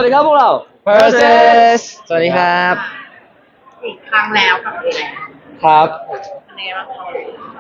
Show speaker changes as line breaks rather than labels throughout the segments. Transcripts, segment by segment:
วัสดีครับพวกเรา
Versus สวัสดีครับ
อีกครั้งแล้วกับอะไร
ครับ
อะไรบ้างคะ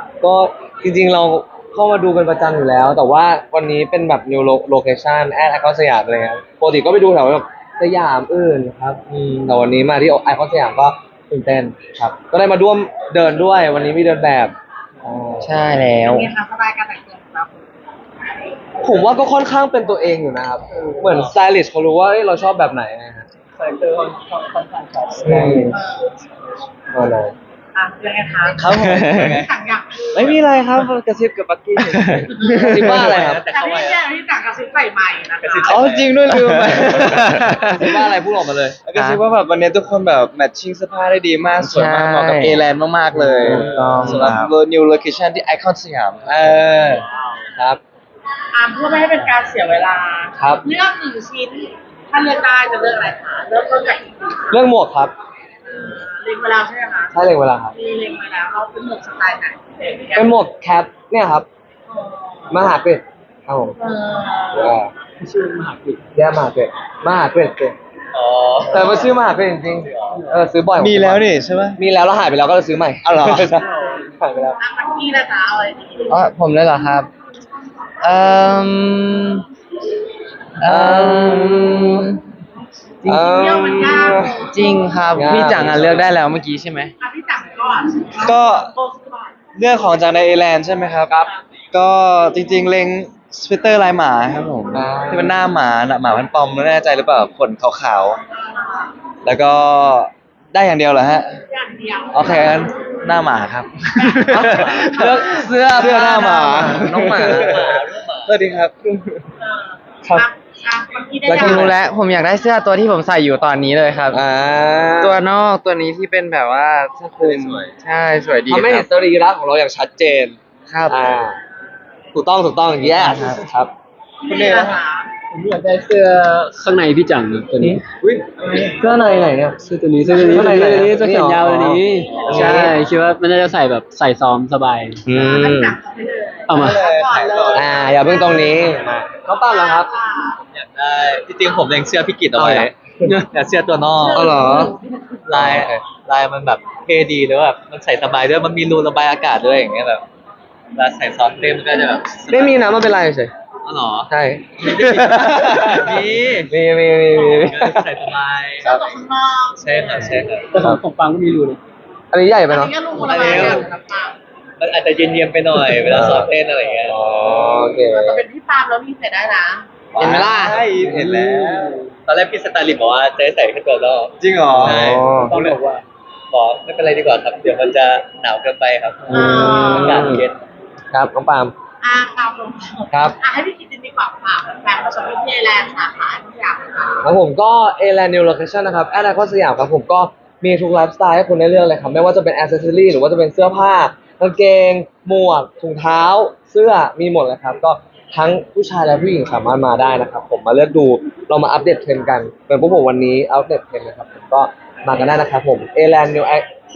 ก็จริงๆเราเข้ามาดูเป็นประจำอยู่แล้ว แต่ว่าวันนี้เป็นแบบ new location แอดไอคอนสยามเลยครับปกติก็ไปดูแถวแบบสยามอื่นครับแต่วันนี้มาที่ไอคอนสยามก็ตื่นเต้นครับ ก็ได้มาร่วมเดินด้วยวันนี้มีเดินแบบ
ใช่แล้ว
มีค่ะสไตล์การแต่งตัวของเรา
ผมว่าก็ค่อนข้างเป็นตัวเองอยู่นะครับ เหมือนสไตลิสต์เขารู้ว่าเอ้ยเราชอบแบบไหนนะฮะ
คาแรคเตอร์ค่อนข้างชัด
ใช่อะไร
ยังไงคะ
ครับผม
สั่งอยาก
ไม่มีอะไรครับกระซิบกับบักกี้
กระซิบว่าอะไรครับ
แต่พี่เนี่ยที่สั่งกระซิบใส่ไมค์นะคะ
อ๋อจริงด้วยลืมไป
กระซิบว่าอะไรพูดออกมาเลย
ก็คิดว่าแบบวันนี้ทุกคนแบบแมทชิ่งเสื้อผ้าได้ดีมากสวยมากเหมาะกับ A-Land มากๆเลย
ถูกต้อง
สำหรับ new location ที่ไอคอนสยาม
ครับ
เพื่อไม่ให้เป็นการเสียเวลา
ครับ
เลือกหนึ่งชิ้น ถ้าเลือกได้จะเลือกอะไรคะเลือกต้นจากกี่ชิ้นคะ
เรื่องหมวกครับ
เล็งเวลาใช่ไหมคะ
ใช่เลยเวลาครับ
มีเล็งมาแล้วเราเป็นหมวกสไตล์ไหน
เป็นหมวกแคปเนี่ยครับมหาเกรดครับผม
ชื่อมหาวิทยาลัย
แย่มหาเกรดมหาเกรดเกรด
อ๋อ
แต่ว่าชื่อมหาเกรดจริงๆซื้อบ่อย
มีแล้วนี่ใช่ไหม
มีแล้วหายไปแล้วก็เลยซื้อใหม่
อ๋อเหรอ
ใช่หายไปแล้ว
มันมีนะจ๊ะอะไรดี
อ๋อผมเลยเหรอครับเอ่มเอ่ม
เที่ยวมันยาก
จริงครับพี่จังเลือกได้แล้วเมื่อกี้ใช่ไหม
พี่จังก่อน
ก็
โต้ก่อน
เรื่องของจากใน A-Land ใช่ไหมครับ ก็จริงๆเล็งสเวตเตอร์ลายหมาครับผมที่มันหน้าหมาน่ะหมาพันปอมไม่แน่ใจหรือเปล่าขนขาวๆแล้วก็ได้อย่างเดียวเหรอฮะ
อย่างเดียว
โอเคงั้นหน้าหมาครับ
เลือกเสื้อ
เสื้อหน้าหมา
น้องหมา
สวัสดีครับ
ครับ
เมื่อกี้ได้
แล้ว
ยั
ผม
ง
รู้แล้วผมอยากได้เสื้อตัวที่ผมใส่อยู่ตอนนี้เลยครับ ตัวนอกตัวนี้ที่เป็นแบบว่าเสื้อคลุม
สวย
ใช่สวยดี
ทำให้
ค
เห็
รั
น
บ
สรีระของเราอย่างชัดเจน
ครับ
ถูกต้อง yes ครับ
คุณเดชนะคะ
ผมอยากได้เสื้อข้างในพี่จังนะตัวนี้
เสื้อในไหนเนี่ย
เสื้อตัวนี้เสื้อตัวนี้
ข้างในไหน
เสื้อแขนยาวตัวนี้
อ๋อ
ใช่คิดว่ามันน่าจะใส่แบบใส่ซ้อมสบาย
อืม
จังไปเลย
เอามา
ก่อนเลย
อย่าเพิ่งตรงนี้เขาปั้นแล้วครับ
อยากได้จริงๆผมเล็งเสื้อพี่กิตเอาไว้ แต่เสื้อตัวนอก
อ๋อเหรอ
ลายมันแบบเท่ดีแล้วแบบมันใส่สบายด้วยมันมีรูระบายอากาศด้วยอย่างเงี้ยแบบเวลาใส่ซอสเต็มมันก็จะแบบ
ไม่มีนะมันเป็นไรเฉย
อ๋อเหรอ
ใช่
มี
มี
ใส่สบาย
เสื้อตัวข้างนอก
ใช่ครับใช่ครับ
แต่ของปังก็มีรูนะ
อันนี้ใหญ่ไป
อัน
เนาะ
นี้ก็ลูกคนละแบบกับปาล์ม
มันอาจจะเย็นๆไปหน่อยเวลาซ้อมเต้นอะไรอย่างเงี้ย
อ๋อโอเค
แต่เป็นพี่ปาล์มแล้วพี่ใส่ได้นะ
เห็นไหมล่ะ
ใช่เห็นแล้วตอนแรกพี่สไตลิสต์บอกว่าจะให้ใส่แค่ตัวนอกจริงเหรอใช่
ต้องบอกว่า
บอกไม่เป็นไรดีกว่าครับเดี๋ยวมันจะหนาวเกินไปครับ
อืม
อากาศเย็น
ครับน้องปาล์ม
ครับผม
ครับ
ให้พี่กิตตินดีกว่าค่ะแฟนผสมวิทยาแลนด์สาขาที่อยากค่ะ
ครับผมก็ A-Land New Location นะครับแอดไอคอนสยามครับผมก็มีทุกไลฟ์สไตล์ให้คุณได้เลือกเลยครับไม่ว่าจะเป็นแอ c เซสซอรี่หรือว่าจะเป็นเสื้อผ้ากางเกง หมวกถุงเท้า เสื้อมีหมดเลยครับก็ทั้งผู้ชายและผู้หญิงสามารถมาได้นะครับผมมาเลือกดูเรามาอัปเดตเทรนด์กันเป็นพวกผมวันนี้อัปเดตเทรนด์นะครับผมก็มากันได้นะครับผม A-Land New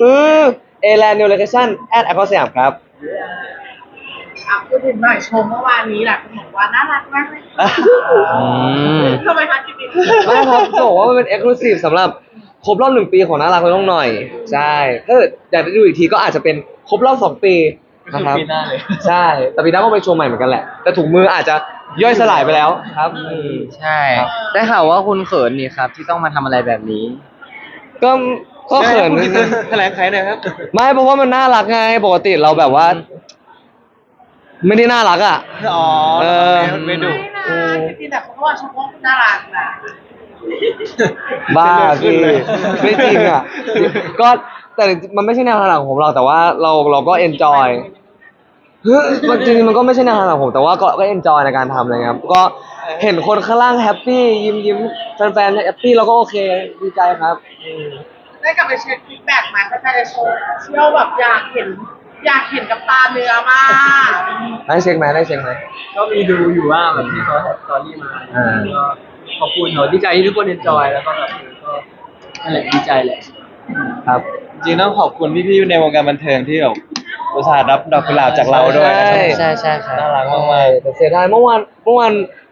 A-Land New Location แอดไอคอนสยามครับ
พูดถึงหน่อยชมเมื่อวานนี้แหละคุณบอกว่าน่ารักมากเลยทำไมคะกิตติน
ไม่ครับจะบอกว่ามันเป็น exclusive สำหรับครบรอบ1 ปีของน่ารักเลยต้องหน่อย ใช่ถ้าเกิดอยากได้ดูอีกทีก็อาจจะเป็นครบรอบ2 ปีนะครับ
ปีหน้าเลย
ใช่แต่ปีหน้าก็ไปโชว์ใหม่เหมือนกันแหละ แต่ถุงมืออาจจะย่อยสลายไปแล้วครับ
ใช่ได้ข่าวว่าคุณเขินนี่ครับที่ต้องมาทำอะไรแบบนี้
ก็ก็เขิน
แถลงไขหน่อยครับ
ไม่เพราะว่ามันน่ารักไงปกติเราแบบว่า ไม่ได้น่ารักอ่ะ
อ๋อ
ไม่ดุ
ไม่นะกิตตินแต่เขาว่าชมว่าคุณน่ารักนะ
บ้าพี่ไม่จริงอ่ะ ก็แต่มันไม่ใช่แนวทางของผมเราแต่ว่าเราก็เอนจอยมันจริงๆมันก็ไม่ใช่แนวทางของผมแต่ว่าก็เอนจอยในการทำอะไรครับก็เห็นคนข้างล่างแฮปปี้ยิ้มแฟนๆแฮปปี้เราก็โอเคดีใจครับ
ได้กลับไปเช็คฟีดแบ็กมาแฟนๆจะโชว์เชี่ยวแบบอยากเห็นกับตาเนื้อมาก
ได้เช็คไหม
ก็มีดูอยู่ว่าแบบที่เขาแท็กสตอรี่มา
อ่า
ก็ขอบคุณเขาดีใจที่ทุกคนเอนจอยแล้วก็แบบก็นั่นแหละดีใจแหละ
ครับ
จริงๆต้องขอบคุณพี่ๆในวงการบันเทิงที่แบบอุตส่าห์รับดอกกุหลาบจากเราด้วยนะครับ
ใช่ครับ
น่ารักมาก
แต่เสียดายเมื่อวาน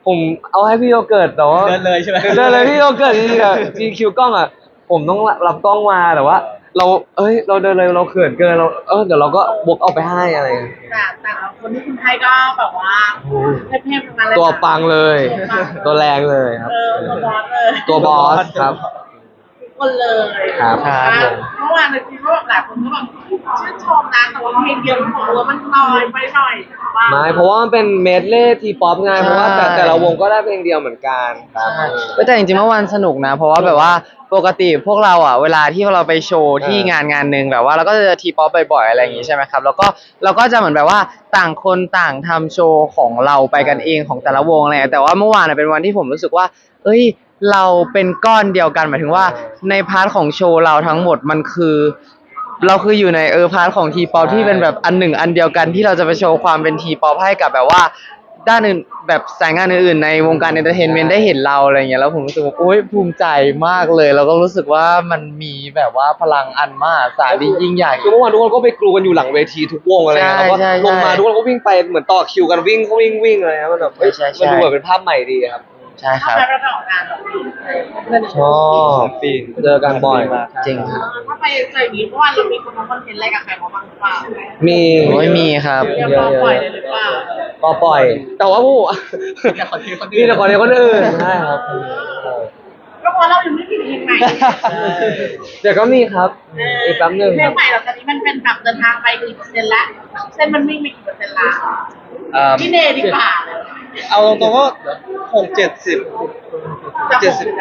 ผมเอาให้พี่โยเกิร์ตแต่ว่า
เดินเลยใช่ไหม
เดินเลยพี่โยเกิร์ตจริงๆอะGQ กล้องอะผมต้องรับกล้องมาแต่ว่า เราเดินเลยเราเขินเกินเราเดี๋ยวเราก็บกเอาไปให้อะไรอย่างเงี้ย
แต่ละคนที่คุณให้ก็แบบว่าเทพๆทั้งนั้นเลย
ตัวปังเลย ตัวแรงเลยครับ
ตัวบอสเลย
ตัวบอสครับ
ทุกคนเลย
ครับ
เมื่อวานในทีก็แบบหลายคนก็แบบชื่นชมนะแต่ว่าเพลงเดียวของเรามันน้อยไปหน่อยว่า
ไม่เพราะว่ามันเป็นเมดเล่ทีป๊อปไงเพราะว่าแต่ละวงก็ได้เพลงเดียวเหมือนกันครับ
แต่จริงๆเมื่อวานสนุกนะ เพราะว่าแบบว่าปกติพวกเราอ่ะเวลาที่เราไปโชว์ที่งานหนึ่งแบบว่าเราก็จะเจอทีป๊อปบ่อยๆอะไรอย่างงี้ใช่ไหมครับแล้วก็เราก็จะเหมือนแบบว่าต่างคนต่างทำโชว์ของเราไปกันเองของแต่ละวงอะไรแต่ว่าเมื่อวานเป็นวันที่ผมรู้สึกว่า เอ้ยเราเป็นก้อนเดียวกันหมายถึงว่าในพาร์ทของโชว์เราทั้งหมดมันคือ เราคืออยู่ในพาร์ทของทีป๊อปที่เป็นแบบอันหนึ่งอันเดียวกันที่เราจะไปโชว์ความเป็นทีป๊อปให้กับแบบว่า ด้านอื่นแบบสายงานอื่นๆในวงการเอนเตอร์เทนเมนต์ได้เห็นเราอะไรเงี้ยแล้วผมรู้สึกว่าโอ๊ยภูมิใจมากเลยแล้วก็รู้สึกว่ามันมีแบบว่าพลังอันมากสาดียิ่งใหญ่
คือเมื่อวานทุกคนก็ไปกรูกันอยู่หลังเวทีทุกวงอะไรเงี้ยแล้วก็
ใช่
ลงมาทุกคนก็วิ่งไปเหมือนต่อคิวกันวิ่งอะไรเงี้ยมันแบบเฮ้ย
ใช่ใช่
มันดูแบบเป็นภาพใหม่ดีครับ
ใช่ค
ถ้า
รับ
ไปประกอบงานแบบนี้
ชอบเจอกันบ่อย
จริงครับ
ถ้าไปเจออย่างนี้เพราะว่าเรามีคนทำคอนเทนต์อะไรกับใครมาบ้างหรือเปล่า
มี
โอ้ยมีครับ
เรียบร้อยปล่อยเลยหรือเปล่า
ก็ปล่อย แต่ว่าผู้
แต่คอนเทนต์คนอื่น
มีแต่คนเดียวคนอื่นใช่ครับ
ก็เพราะเรายังไม่มีเพลงใหม่
เดี๋ยวก็มีครับอีกแป๊บหนึง
เพล
ครั
ง
บ
ใหม่เราตอนนี้มันเป็นแบบเดินทางไปกี่เปอร์เซ็นต์ละเส้นมันวิ่งไปกี่เปอร์เซ็นต์ละพี่เนดีกว่า
เอาตรงๆก็60-70
จะ
70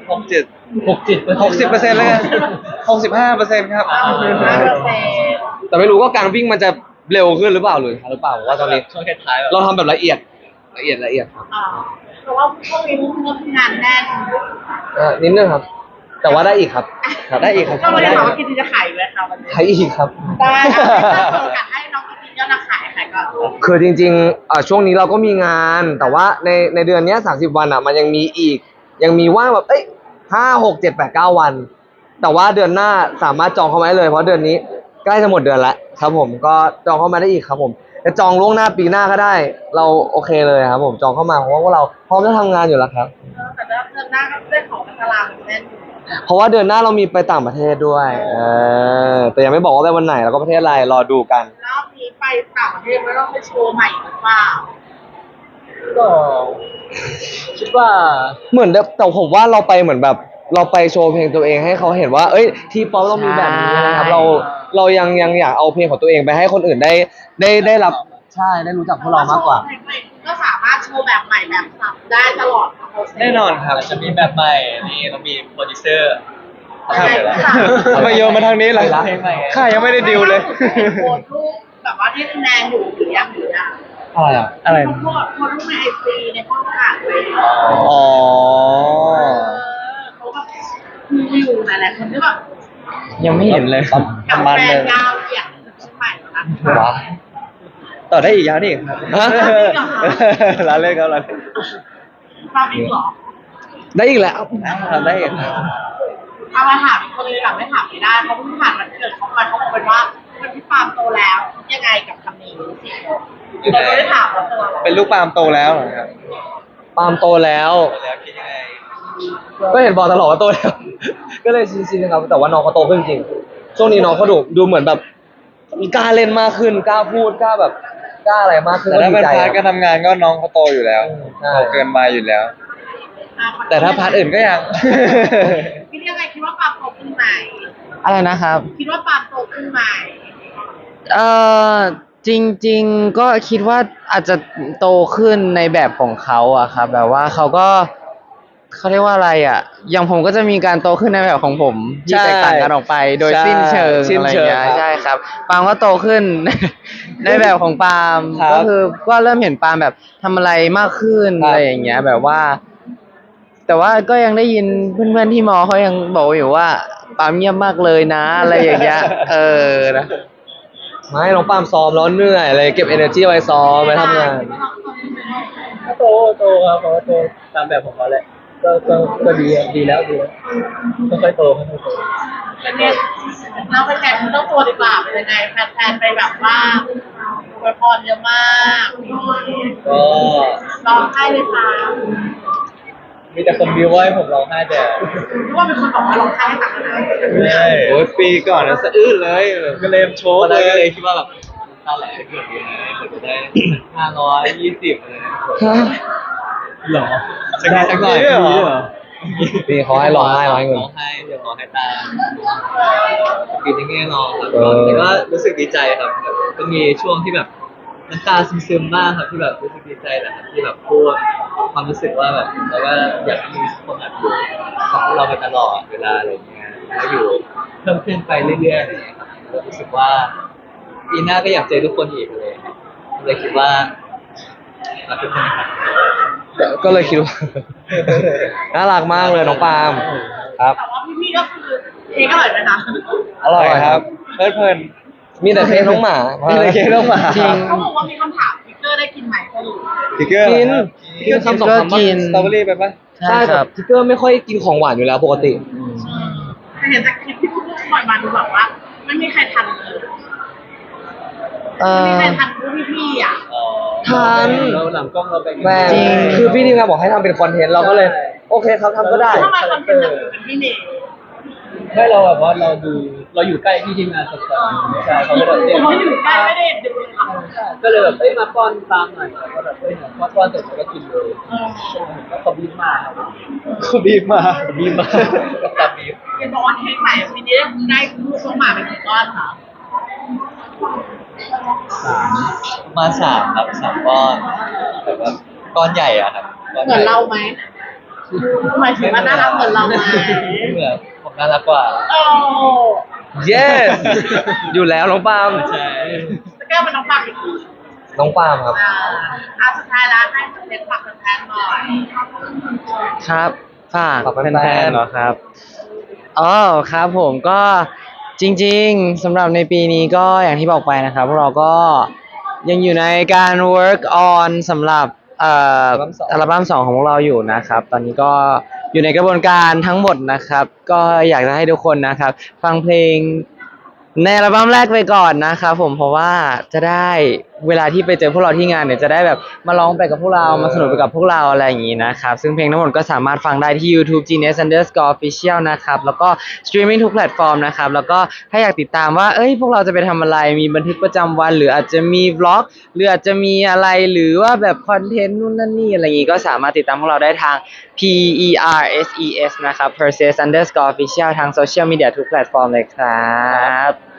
67
60%
แล้วกัน65%ครับ
แต่ไม่รู้ว่าการวิ่งมันจะเร็วขึ้นหรือเปล่าหรือผมว่าตอนนี้
ช่วงท้ายๆแบบ
เราทำแบบละเอียดครับ
เพราะว่าพวกนี้มันงานแน่น
นิดนึงครับ แต่ว่าได้อีกครับได้อีกครับ
ก็ไม่ได้บอกว่ากินจะขายเลยค่ะวันนี้
ใช้อีกครับ
ได้ถ้าโอกาสให้น้องกินยอดขายก็
คือจริงๆช่วงนี้เราก็มีงาน แต่ว่าในเดือนเนี้ย30 วันมันยังมีอีก ยังมีว่างแบบ5 6 7 8 9 วัน แต่ว่าเดือนหน้าสามารถจองเข้ามาได้เลย เพราะเดือนนี้ใกล้จะหมดเดือนแล้วครับผมก็จองเข้ามาได้อีกครับผมจะจองล่วงหน้าปีหน้าก็ได้ เราโอเคเลยครับผมจองเข้ามาเพราะว่าพวกเราพร้อมจะทำงานอยู่แล้วครับ
แต่เดือนหน้าก็ได้ของตารางแน่น
เพราะว่าเดือนหน้าเรามีไปต่างประเทศด้วยแต่ยังไม่บอกว่าไปวันไหนแล้วก็ประเทศอะไรรอดูกัน
รอบนี้ไปต่างประเทศไม่ต้องไปโชว์ใหม่หรือเปล่า
ก็คิดว่า
เหมือนแต่ผมว่าเราไปเหมือนแบบเราไปโชว์เพลงตัวเองให้เขาเห็นว่า ทีป๊อปต้องมีแบบนี้นะครับ เรายังอยากเอาเพลงของตัวเองไปให้คนอื่นได้รับใช่ได้รู้จักพวกเรามากกว่า
ก็สามารถโชว์แบบใหม่แบบสับได้ตลอดทั้งโปรเซส
แน่นอนครับ
เราจะมีแบบใหม่นี่เรามีโปรดิวเซอร์
ครับ
ใช่ค่ะ
ทำไมโยนมาทางนี้ล่ะ
เพลงใหม่
ข้ายังไม่ได้ดิวเลย
โพสต์รูปแบบว่าที่คะแนนอยู่หรือยังหรือยัง
อะไร
เขาโพสต์รูปในไอซีในห้องอ่านเลย
อ๋อ
เขาแบบมีอยู่หลายๆคนที่แบบ
ยังไม่เห็นเลย
กับ
มัน
แฟ
เล
น
ย
ยาวเหยียดเชียงใหม่นะคะ
ต่อได้อีกยาวนี่ครับ
ฮะ
ร้านเล่นครับร้านเล่น
มาอีกเหรอ
ได้อีกแล้ว
ทำได้อีกครับ
เอามาถามอีกคนนึงแบบไม่ถามไม่ได้เขาเพิ่งผ่านวันเกิดเขาไปเขาบอกเป็นว่าวันที่ปาล์มโตแล้วยังไงกับคำนี้เราไม่ได้ถามเราตัวเรา
เป็นลูกปาล์มโตแล้วเหรอครับ
ปาล์มโตแล้ว
โตแล้วคิดยังไง
ก็เห็นบอกตลอดว่าโตแล้ว ก็เลยชินๆนะครับแต่ว่าน้องเขาโตขึ้นจริงช่วงนี้น้องเขาดูเหมือนแบบกล้าเล่นมากขึ้นกล้าพูดกล้าแบบกล้าอะไรมากขึ้น
แต่ถ้าเป็น
ดีใจ
พาร์ทการทำงานก็น้องเขาโตอยู่แล้ว
ใช่
โตเกินมาอยู่แล้ว แต่ถ้าพาร์ทอื่นก็ยัง
คิดยังไงคิดว่าปาล์มโตขึ้นไหม
อะไรนะครับ
คิดว่าปาล์มโตขึ้นไหม
เอ่อจริงๆก็คิดว่าอาจจะโตขึ้นในแบบของเขาอะครับแบบว่าเขาเรียกว่าอะไรอะอย่างผมก็จะมีการโตขึ้นในแบบของผมที่
ใช่
แตกต่างกันออกไป โดย
ใช่
สิ้นเชิง
สิ้น
อะไร
เชิง
เงี้ย
ครับ
ใช่ครับปาล์มก็โตขึ้น ในแบบของปาล์ม
ครับ
ก็คือก็เริ่มเห็นปาล์มแบบทำอะไรมากขึ้น
ครับ
อะไรอย่างเงี้ยแบบว่า แต่ว่าก็ยังได้ยินเพื่อนๆที่มอเขายังบอกอยู่ว่าปาล์มเงียบมากเลยนะ อะไรอย่างเงี้ยนะ
ไม่น้องปาล์มซ้อมแล้วเหนื่อยอะไรเก็บ energy ไว้ซ้อมไว้ทำงาน
ก็โตครับเพราะว่าโตตามแบบของเขาแหละก็ดีแล้วค่อยๆโตค่อยๆโต
เป็นเนี่ยเราไปแทนเจ้าตัวดีกว่าเป็นยังไงแฟนๆไปแบบว่าอวยพรเยอะมาก
ก็
ร้องไห้เลยค่ะ
มีแต่คนบิวว่าให้ผมร้องไห้แต่
รู้ว่าเป็นคนบอกว่าร้องไห้ให้ตักนะ
ไม่ใช่
โอ้ยปีก่อนนะสะอื้นเลยก็เลยโชว์
ตอน
เล
แรกก็เลย
ย
คิดว่าแบบตาแหลเกือบอยู่นะเกือบจะได้520เลยหรอ
สักนิดสักหน่อย
มีด้วยเหรอ
นี่เขาให้ร้องไห้ร้องเงิน
ร้องไห้เดี๋ยวร้องไห้ตามปีนี้ไม่ได้ร้องครับ
เออ
แต่ก็รู้สึกดีใจครับแบบก็มีช่วงที่แบบน้ำตาซึมๆบ้างครับที่แบบรู้สึกดีใจแหละครับที่แบบพูดความรู้สึกว่าแบบเราก็อยากให้มีคนแบบอยู่กับพวกเราไปตลอดเวลาอะไรเงี้ยแล้วอยู่เพิ่มขึ้นไปเรื่อยๆอะไรเงี้ยครับแล้วรู้สึกว่าปีหน้าก็อยากเจอทุกคนอีกเลยเลยคิดว่ารักทุกคนนะครับ
ก็เลยคิดว่า น่ารักมากเลยน้องปาล์มครับ
แต่ว่าพี่ๆก็คือเค้กอร่อยไหมคะ
อร่อยครับ
เพลิน
มีแต่เค้กน้องหมา
มีแต่เค้กน้องหมา
จริง
เขาบอกว่ามีคำถามพิกเกอร์ได้กินไหมสรุป
ทิกเกอร์
กิน
เหรอครับ
กินคำสองคำ
ก็กิน
สตรอเบอรี่ไปปะ
ใช่ครับทิกเกอร์ไม่ค่อยกินของหวานอยู่แล้วปกติ
แต่เห็นจากคลิปที่พูดปล่อยมาดูแบบว่าไม่มีใครทันเลย
เอ
ไม่มี
อ
ใครทันพวกพี่ๆอ่ะ
ทัน
เราหลังกล้องเราแบ่ง
แม่
จริง
คือพี่ทีมงานบอกให้ทำเป็นคอนเทนต์เราก็เลย โอเคครับทำก็ได้
ทำไมคนเป็นแบบเป็นพี่เมย์
ให้เราแบบว่าเราอยู่ใกล้พี่ทีมงานสดๆใช่เขาก็แบบ
ผมไม่อยู่ใกล้ไม่ได้ดูเลยค่ะ
ก็เลยแบบมาป้อนตามหน่อยแล้วก็แบบป้อนเสร็จแล้วก็กินเลยก็ขอบคุณมากครับ
เขาบีบมา
บีมากตับบีม
เห็นบอกว่าเค้กใหม่ปีนี้ได้ลูกน้องหมาเป็นกี่ก้อนคะ
ประมาณ3ครับ3ก้อนแบบว่าก้อนใหญ่อะครับก้อน
เห
ให
มื
ญ่
อนเราไหมหมายถึงว่าน่ารักเหมือนเราไหม
เหมือนผมน่ารักกว่า
โอ้
yes อยู่แล้วน้องปาล์ม
ใช่
จะแก้เป็นน้องปากอีกที
น้องปาล์มครับ
สุดท้ายแล้วให้เล็กฝากแฟนๆหน่อย
ครับฝาก
ฝากแฟ
แฟ
นๆ
นๆเหรอครับอ๋อครับผมก็จริงๆสำหรับในปีนี้ก็อย่างที่บอกไปนะครับพวกเราก็ยังอยู่ในการ work on สำหรับอัลบั้ม2ของพวกเราอยู่นะครับ ตอนนี้ก็อยู่ในกระบวนการทั้งหมดนะครับ ก็อยากจะให้ทุกคนนะครับ ฟังเพลงในอัลบั้มแรกไปก่อนนะครับผมเพราะว่าจะได้เวลาที่ไปเจอพวกเราที่งานเนี่ยจะได้แบบมาร้องไปกับพวกเรามาสนุกไปกับพวกเราอะไรอย่างนี้นะครับซึ่งเพลงทั้งหมดก็สามารถฟังได้ที่ YouTube Genius_Official นะครับแล้วก็สตรีมมิ่งทุกแพลตฟอร์มนะครับแล้วก็ถ้าอยากติดตามว่าพวกเราจะไปทำอะไรมีบันทึกประจำวันหรืออาจจะมีวล็อกหรืออาจจะมีอะไรหรือว่าแบบคอนเทนต์นู่นนั่นนี่อะไรอย่างนี้ก็สามารถติดตามพวกเราได้ทาง PERSES นะครับ Perses_Official ทางโซเชียลมีเดียทุกแพลตฟอร์มเลยครับ